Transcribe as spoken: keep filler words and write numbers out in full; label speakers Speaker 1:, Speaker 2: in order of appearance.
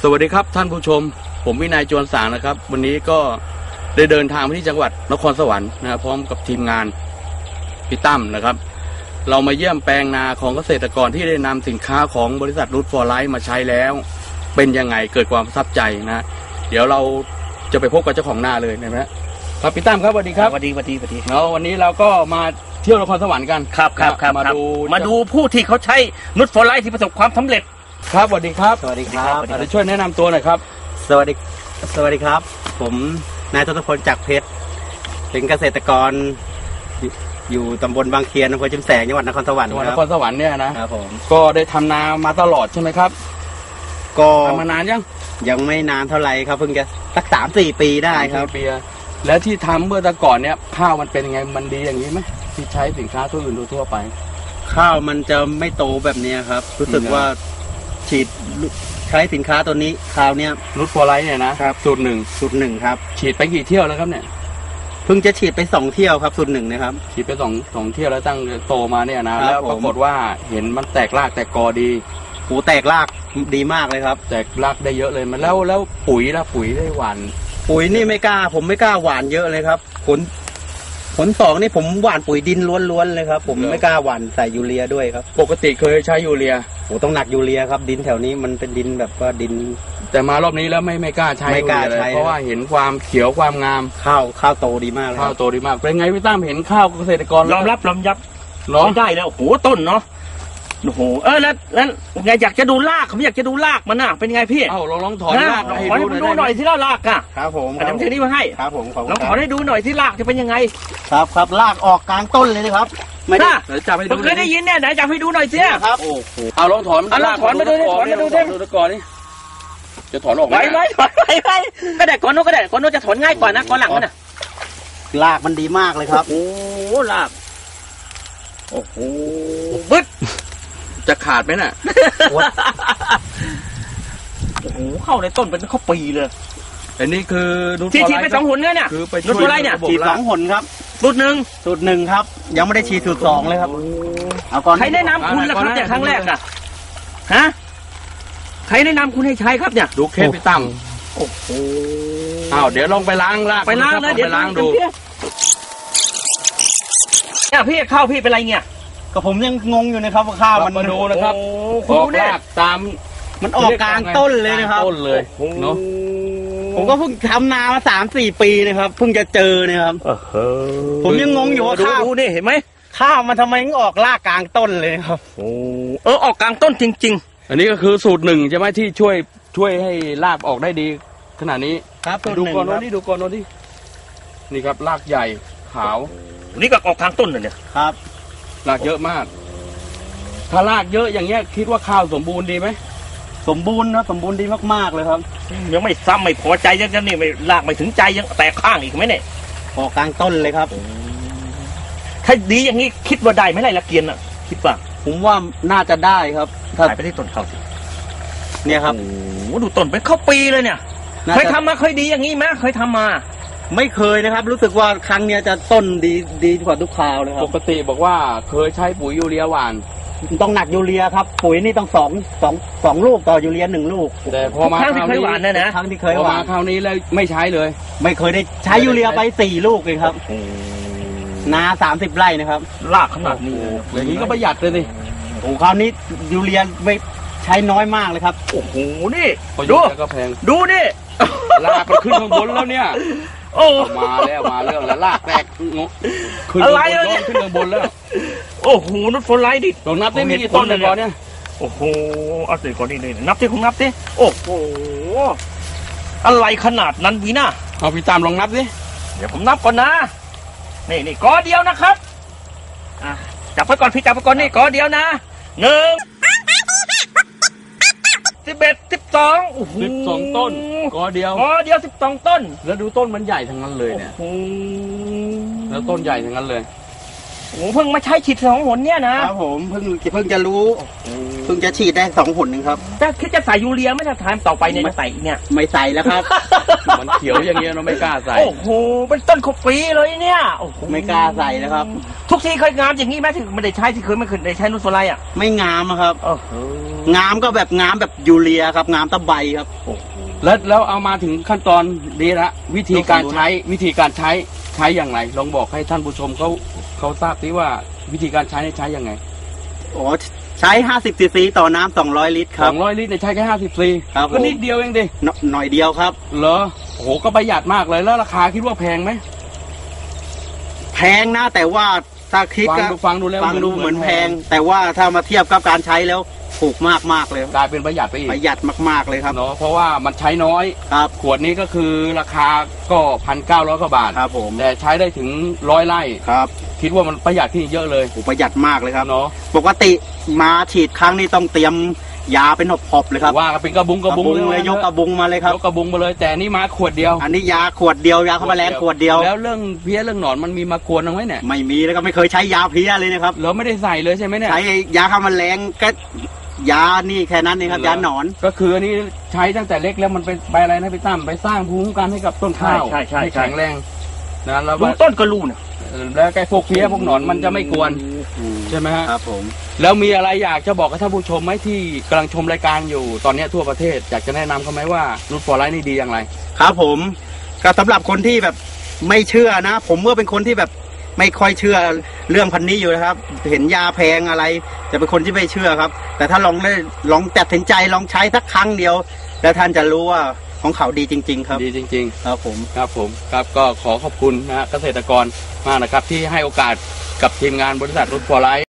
Speaker 1: สวัสดีครับท่านผู้ชมผมวินัยจวนสางนะครับวันนี้ก็ได้เดินทางไปที่จังหวัดนครสวรรค์นะครับพร้อมกับทีมงานพี่ตั้มนะครับเรามาเยี่ยมแปลงนาของเกษตรกรที่ได้นำสินค้าของบริษัทรูทฟอร์ไลท์มาใช้แล้วเป็นยังไงเกิดความประทับใจนะเดี๋ยวเราจะไปพบกับเจ้าของนาเลยนะครับพี่ตั้มครับสวัสดีครับ
Speaker 2: สวัสดีสวัสดีสวัสดี
Speaker 1: แล้ววันนี้เราก็มาเที่ยวนครสวรรค์กัน
Speaker 2: ครับครับครับ
Speaker 1: มาดู
Speaker 2: มาดูผู้ที่เขาใช้รูทฟอร์ไลท์ที่ประสบความสำเร็จ
Speaker 1: ครับสวัสดีครับ
Speaker 3: สวัสดีครับ
Speaker 1: จะช่วยแนะนำตัวหน่อยครับ
Speaker 3: สวัสดีสวัสดีครับผมนายทศพลจักรเพชรเป็นเกษตรกรอยู่ตำบลบางเคียนอำเภอชุมแสงจังหวัดนครสวรรค์
Speaker 1: จังหวัดนครสวรรค์เนี่ยนะครับ
Speaker 3: ผม
Speaker 1: ก็ได้ทำนามาตลอดใช่ไหมครับ
Speaker 3: ก็
Speaker 1: ทำมานานยัง
Speaker 3: ยังไม่นานเท่าไหร่ครับเพิ่งจะสักสามสี่ปีได้ครับ
Speaker 1: ปีแล้วที่ทำเมื่อแต่ก่อนเนี่ยข้าวมันเป็นยังไงมันดีอย่างนี้ไหมที่ใช้สินค้าตัวอื่นทั่วไป
Speaker 3: ข้าวมันจะไม่โตแบบนี้ครับรู้สึกว่าฉีดใช้สินค้าตัวนี้คราวนี้
Speaker 1: รูทฟอร์ไลท์เนี่ยนะครับสูตรหนึ่ง
Speaker 3: สูตรหนึ่งครับ
Speaker 1: ฉีดไปกี่เที่ยวแล้วครับเนี่ย
Speaker 3: เพิ่งจะฉีดไปสองเที่ยวครับสูตรหนึ่งนะครับ
Speaker 1: ฉีดไปสองสองเที่ยวแล้วตั้งโตมาเนี่ยนะแล้วปรากฏว่าเห็นมันแตกรากแตกกอดี
Speaker 3: หูแตกรากดีมากเลยครับ
Speaker 1: แตกรากได้เยอะเลยมันแล้วแล้วปุ๋ยละปุ๋ยได้หวาน
Speaker 3: ปุ๋ยนี่ไม่กล้าผมไม่กล้าหวานเยอะเลยครับผลผลสองนี่ผมหว่านปุ๋ยดินล้วนๆเลยครับผมไม่กล้าหว่านใส่ยูเรียด้วยครับ
Speaker 1: ปกติเคยใช้ยูเรีย
Speaker 3: โอ้ต้องหนักยูเรียครับดินแถวนี้มันเป็นดินแบบว่าดิน
Speaker 1: แต่มารอบนี้แล้วไม่ไม่กล้าใช้
Speaker 3: ไม่กล้าใช้
Speaker 1: เพราะว่าเห็นความเขียวความงาม
Speaker 3: ข้าวข้าวโตดีมาก
Speaker 1: ข้าวโตดีมากเป็นไงพี่ตั้มเห็นข้าวเกษตรกร
Speaker 2: ยอมรับยอมรับร้องได้แล้วโอ้โหต้นเนาะโอ้โหเออแล้วแล้วไงอยากจะดูรากผมอยากจะดูรากมันน่ะเป็นไงพี่
Speaker 1: เอ้าลองลองถอนราก
Speaker 2: ให้ดูดูหน่อยที่รากอ่ะ
Speaker 3: ครับผม
Speaker 2: อาจารย์เทนี้มาให้
Speaker 3: ครับผม
Speaker 2: ลองถอนให้ดูหน่อยที่รากจะเป็นยังไง
Speaker 3: ครับครับรากออกกลางต้นเลยนะครับ
Speaker 2: ไม่ได้จับให้ดูเคยได้ยินเนี่ยไหนจับให้ดูหน่อยสิ
Speaker 3: ครับ
Speaker 1: โอ้โหเอาลองถอน
Speaker 2: เอาลองถอนมาดูดิถอนมาดูดิ
Speaker 1: ดูก่อนนี่จะถอนออกไหม
Speaker 2: ไม่ถอนไม่ไม่ก็ได้ก่อนโน้นก็ได้ก่อนโน้นจะถอนง่ายกว่านะก่อนหลังมันน่ะ
Speaker 3: รากมันดีมากเลยครับ
Speaker 2: โอ้รากโอ้โหบึ๊ด
Speaker 1: จะขาดไหมน่ะ
Speaker 2: โอ้โหเข้าในต้นเป็นข้าวปีเลย
Speaker 1: อันนี้คือ
Speaker 2: ฉีดฉีดไปสองหนเนี่ย
Speaker 1: คือไป
Speaker 2: ช่วยอะไรเนี่ย
Speaker 3: ฉีดสองหนครับ
Speaker 2: สูตรหนึ่ง
Speaker 3: สูตรหนึ่งครับยังไม่ได้ฉีดสูตรสองเลยครับ
Speaker 2: เอาก่อนใครแนะนำคุณล่ะครับเนี่ยครั้งแรกอ่ะฮะใครแนะนำคุณให้ใช้ครับเนี่ย
Speaker 1: ดูเคสพี่ตั้ม
Speaker 2: โอ้โห
Speaker 1: อ้าวเดี๋ยวลองไปล้างล้าง
Speaker 2: ไปล้างนะเดี๋ยว
Speaker 1: ล้างดู
Speaker 2: เนี่ยพี่เข้าพี่เป็นไรเนี่ย
Speaker 3: ก็ผมยังงงอยู่นะครับว่าข้าวมัน
Speaker 1: มาดูนะครับออกรากตาม
Speaker 3: มันออกกลางต้นเลยนะครับ
Speaker 1: ต้นเลยเนาะ
Speaker 3: ผมก็เพิ่งทำนามาสามสี่ปีนะครับเพิ่งจะเจอเนี่ยครับผมยังงงอยู่ว่าข้าว
Speaker 2: ดูนี่เห็นไหม
Speaker 3: ข้าวมันทำไมออกรากกลางต้นเลยครับ
Speaker 2: โอ้เออออกกลางต้นจริง
Speaker 1: ๆอันนี้ก็คือสูตรหนึ่งใช่ไหมที่ช่วยช่วยให้รากออกได้ดีขนาดนี้
Speaker 3: ครับ
Speaker 1: ดูก่อนโน้นนี่ดูก่อนโน้นนี่นี่ครับรากใหญ่ขาว
Speaker 2: นี่ก็ออกกลางต้นเลยเนี่ย
Speaker 3: ครับ
Speaker 1: รากเยอะมากถ้ารากเยอะอย่างเงี้ยคิดว่าข้าวสมบูรณ์ดีไหม
Speaker 3: สมบูรณ์นะสมบูรณ์ดีมากๆเลยครับ
Speaker 2: ยังไม่ซ้ำไม่พอใจยังนี่ไม่รากไม่ถึงใจยังแตกข้างอีกไหมเนี่ย
Speaker 3: ออกกลางต้นเลยครับ
Speaker 2: ถ้าดีอย่างนี้คิดว่าได้ไหมไรละเกียนอ่ะคิดว่า
Speaker 3: ผมว่าน่าจะได้ครับ
Speaker 2: ถ่ายไปที่ต้นข้าวสิ
Speaker 3: เนี่ยครับ
Speaker 2: โอ้ดูต้นเป็นข้าวปีเลยเนี่ยเคยทำมาเคยดีอย่างนี้ไหมเคยทำมา
Speaker 3: ไม่เคยนะครับรู้สึกว่าครั้งนี้จะต้นดีดีกว่าทุกคราวเลยครับ
Speaker 1: ปกติบอกว่าเคยใช้ปุ๋ยยูเรียหวาน
Speaker 3: ต้องหนักยูเรียครับปุ๋ยนี่ต้องสองสองสองลูกต่อยูเรียหนึ่งลูก
Speaker 1: แต่พอมา
Speaker 2: ครั้งที่เคยหวานนะนะ
Speaker 3: ครั้งที่เคยหวาน
Speaker 1: คราวนี้แล้วไม่ใช้เลย
Speaker 3: ไม่เคยได้ใช้ยูเรียไปสี่ลูกเลยครับนาสามสิบไร่นะครับ
Speaker 2: รากขนาดนี้
Speaker 1: อย่างนี้ก็ประหยัดเลยดิ
Speaker 3: โอ้คราวนี้ยูเรียไม่ใช้น้อยมากเลยครับ
Speaker 2: โอ้โหนี่
Speaker 1: ดูก็แพง
Speaker 2: ดูนี่
Speaker 1: รากมันขึ้นข้างบนแล้วเนี่ย
Speaker 2: โอ้
Speaker 1: มาแล้วมาเรื่องแล้วลากแตกขึ้นข้างบนขึ้นข้างบนแล้ว
Speaker 2: โอ้โหนุชฝนไล่ดิ
Speaker 1: ลองนับได้มีกี่ต้นเลยก่อนเนี่ย
Speaker 2: โอ้โหเอาสิก่อนนี่เลยนับที่คุณนับดิโอ้โหอะไรขนาดนั้นวีน่า
Speaker 1: เอาพี่ตามลองนับดิ
Speaker 2: เดี๋ยวผมนับก่อนนะนี่นี่กอเดียวนะครับอ่ะจับไปก่อนพี่จับไปก่อนนี่กอเดียวนะหนึ่งสิบเอ็ดสิบสองโอ้โห
Speaker 1: สิบสองต้นกอเดียว
Speaker 2: กอเดียวสิบสองต้น
Speaker 1: แล้วดูต้นมันใหญ่ทั้งนั้นเลยเนี่ยแล้วต้นใหญ่ทั้งนั้นเลย
Speaker 2: โอ้เพิ่งมาใช้ฉีดสองหนเนี่ยนะครับ
Speaker 3: ผมเพิ่งเพิ่งจะรู้เพิ่งจะฉีดได้สองหนหนึ่งครับ
Speaker 2: จะคิดจะใส่ยูเรียไหม่จะทานต่อไปเนี่ยจะใส่อีกเนี่ย
Speaker 3: ไม่ใส่แล้วครับ
Speaker 1: มันเขียวอย่างเงี้ยเราไม่กล้าใส่
Speaker 2: โอ้โหเป็นต้นขบปีเลยเนี่ยโอ้โห
Speaker 3: ไม่กล้าใส่แล้วครับ
Speaker 2: ทุกทีเคยงามอย่างนี้ไหมถึงไม่ได้ใช้ที่เคยไม่เคยได้ใช้นูตโฟไลอ่ะ
Speaker 3: ไม่งามอะครับ
Speaker 2: โอ้โห
Speaker 3: งามก็แบบงามแบบยูเรียครับงามตะไบครับ
Speaker 1: แล้วแล้วเอามาถึงขั้นตอนนี้ละวิธีการใช้วิธีการใช้ใช้อย่างไรลองบอกให้ท่านผู้ชมเขาเขาทราบสิว่าวิธีการใช้ใช้ยังไง
Speaker 3: โอ้ใช้ห้าสิบซีซีต่อน้ำสองร้อยลิตรค
Speaker 1: ส
Speaker 3: รั
Speaker 1: อบ งร้อยลิตรเนี่ยใช้แค่ห้าสิบซี
Speaker 3: ครับผม
Speaker 1: ก็นิดเดียวเองดิ
Speaker 3: หนหน่อยเดียวครับ
Speaker 1: เหรอโอ้โหก็ประหยัดมากเลยแล้วราคาคิดว่าแพงไหม
Speaker 3: แพงนะแต่ว่าถ้าคิด
Speaker 1: ฟัง
Speaker 3: ก็
Speaker 1: ดูฟังดูแล้ว
Speaker 3: ฟังดูเหมือนแพง แต่ว่าถ้ามาเทียบกับการใช้แล้วถูกมากมากๆเลย
Speaker 1: กลายเป็นประหยัดไปอีก
Speaker 3: ประหยัดมากๆเลยครับ
Speaker 1: เนาะเพราะว่ามันใช้น้อย
Speaker 3: ครับ
Speaker 1: ขวดนี้ก็คือราคาก็พันเก้าร้อยกว่าบาท
Speaker 3: ครับผม
Speaker 1: แต่ใช้ได้ถึงร้อยไร่
Speaker 3: ครับ
Speaker 1: คิดว่ามันประหยัดที่เยอะเลย
Speaker 3: โอ้ประหยัดมากเลยครับ
Speaker 1: เนาะ
Speaker 3: ปกติมาฉีดครั้งนี้ต้องเตรียมยาเป็นหอบๆเลยครับ
Speaker 1: ว่ากันเป็นกระบุงกระบุง
Speaker 3: เลยยกกระบุงมาเลยครับ
Speaker 1: ยกกระบุงมาเลยแต่นี่มาขวดเดียว
Speaker 3: อันนี้ยาขวดเดียวยาฆ่าแมลงขวดเดียว
Speaker 1: แล้วเรื่องเพี้ยเรื่องหนอนมันมีมากวนเอาไหมเนี่ย
Speaker 3: ไม่มีแล้วก็ไม่เคยใช้ยาเพลี้ยเลยนะครับ
Speaker 1: เราไม่ได้ใส่เลยใช่ไหมเนี่ย
Speaker 3: ใช้ยาฆ่าแมลงก็ยานี่แค่นั้นเองครับยาหนอน
Speaker 1: ก็คืออันนี้ใช้ตั้งแต่เล็กแล้วมันเป็นไปอะไรนะพี่ตั้มไปสร้างภูมิคุ้มกันให้กับต้นข้าว
Speaker 2: ใช่ใช่ใช่
Speaker 1: แข็งแรงนะแล้ว
Speaker 2: ดูต้นก็รู้นะ
Speaker 1: แล้วไอ้พวกเพี้ยพวกหนอนมันจะไม่กวนใช่ไหมฮะ
Speaker 3: ครับผม
Speaker 1: แล้วมีอะไรอยากจะบอกกับท่านผู้ชมไหมที่กำลังชมรายการอยู่ตอนนี้ทั่วประเทศอยากจะแนะนำเขาไหมว่านูตฟอร์ไลท์นี่ดีอย่างไร
Speaker 3: ครับผมก็สำหรับคนที่แบบไม่เชื่อนะ ผมก็เป็นคนที่แบบไม่ค่อยเชื่อเรื่องพันนี้อยู่นะครับ เห็นยาแพงอะไรจะเป็นคนที่ไม่เชื่อครับ แต่ถ้าลองได้ลองตัดสินใจลองใช้สักครั้งเดียว แล้วท่านจะรู้ว่าของเขาดีจริง ๆ ครับ
Speaker 1: ดีจริง
Speaker 3: ครับผม
Speaker 1: ๆ ครับผมครับก็ขอขอบคุณนะฮะเกษตรกรมากนะครับที่ให้โอกาสกับทีมงานบริษัทนูตฟอร์ไลท์